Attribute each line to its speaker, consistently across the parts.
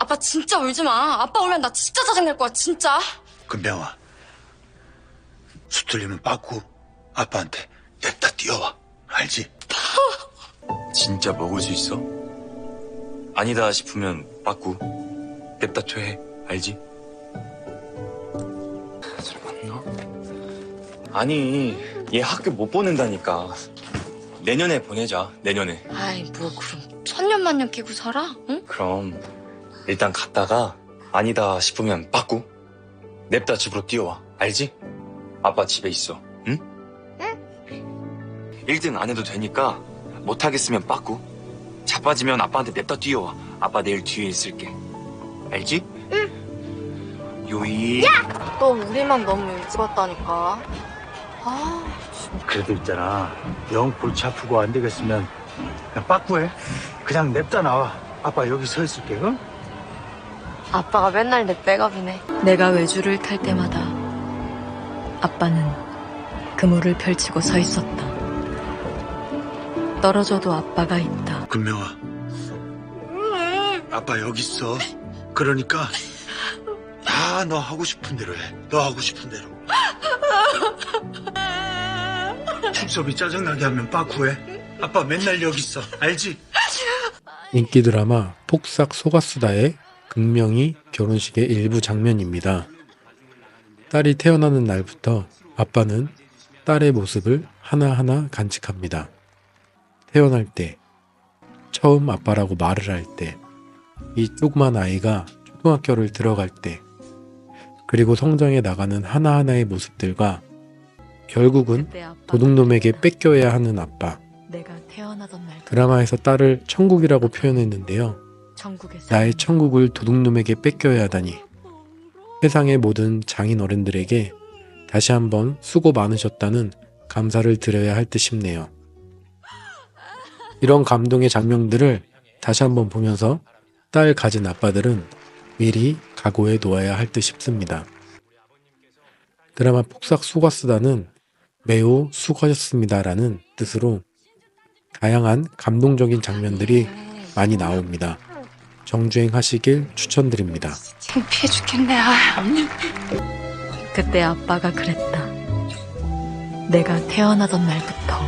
Speaker 1: 아빠 진짜 울지 마. 아빠 울면 나 진짜 짜증낼 거야, 진짜.
Speaker 2: 금병아, 수틀리면 빠꾸 아빠한테 냅다 뛰어와. 알지?
Speaker 3: 진짜 먹을 수 있어? 아니다 싶으면 빠꾸 냅다 퇴해. 알지? 잘 맞나? 아니, 얘 학교 못 보낸다니까. 내년에 보내자. 내년에.
Speaker 1: 아이, 뭐 그럼 천년만년 끼고 살아? 응?
Speaker 3: 그럼 일단 갔다가 아니다 싶으면 빠꾸 냅다 집으로 뛰어와. 알지? 아빠 집에 있어. 응? 응. 1등 안 해도 되니까 못하겠으면 빠꾸 자빠지면 아빠한테 냅다 뛰어와. 아빠 내일 뒤에 있을게. 알지? 응. 요이.
Speaker 1: 너 우리만 너무 일찍 왔다니까. 아,
Speaker 2: 그래도 있잖아. 영 골치 아프고 안 되겠으면 그냥 빠꾸해. 그냥 냅다 나와. 아빠 여기 서 있을게. 응?
Speaker 1: 아빠가 맨날 내 백업이네.
Speaker 4: 내가 외주를 탈 때마다 아빠는 그물을 펼치고 서 있었다. 떨어져도 아빠가 있다.
Speaker 2: 금명아, 아빠 여기 있어. 그러니까 다 너 하고 싶은 대로 해. 너 하고 싶은 대로. 축섭이 짜증나게 하면 빠꾸해. 아빠 맨날 여기 있어. 알지?
Speaker 5: 인기 드라마 폭삭 속았수다의 극명히 결혼식의 일부 장면입니다. 딸이 태어나는 날부터 아빠는 딸의 모습을 하나하나 간직합니다. 태어날 때, 처음 아빠라고 말을 할 때, 이 조그만 아이가 초등학교를 들어갈 때, 그리고 성장해 나가는 하나하나의 모습들과 결국은
Speaker 4: 그때 아빠가
Speaker 5: 도둑놈에게 뺏겨야 하는 아빠.
Speaker 4: 내가 태어나던 날
Speaker 5: 드라마에서 딸을 천국이라고 표현했는데요.
Speaker 4: 천국에서
Speaker 5: 나의 천국을 도둑놈에게 뺏겨야 하다니. 세상의 모든 장인 어른들에게 다시 한번 수고 많으셨다는 감사를 드려야 할 듯 싶네요. 이런 감동의 장면들을 다시 한번 보면서 딸 가진 아빠들은 미리 각오해 놓아야 할 듯 싶습니다. 드라마 폭삭 속았수다는 매우 수고하셨습니다라는 뜻으로 다양한 감동적인 장면들이 많이 나옵니다. 정주행 하시길 추천드립니다.
Speaker 1: 창피해 죽겠네. 아.
Speaker 4: 그때 아빠가 그랬다. 내가 태어나던 날부터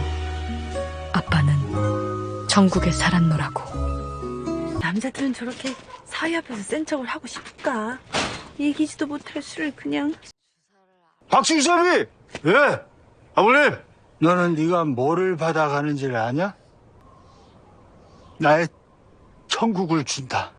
Speaker 4: 아빠는 천국에 살았노라고.
Speaker 6: 남자들은 저렇게 사위 앞에서 센 척을 하고 싶을까? 이기지도 못할 술을 그냥.
Speaker 2: 박승섭이! 예! 아버님! 너는 네가 뭐를 받아가는지를 아냐? 나의 천국을 준다.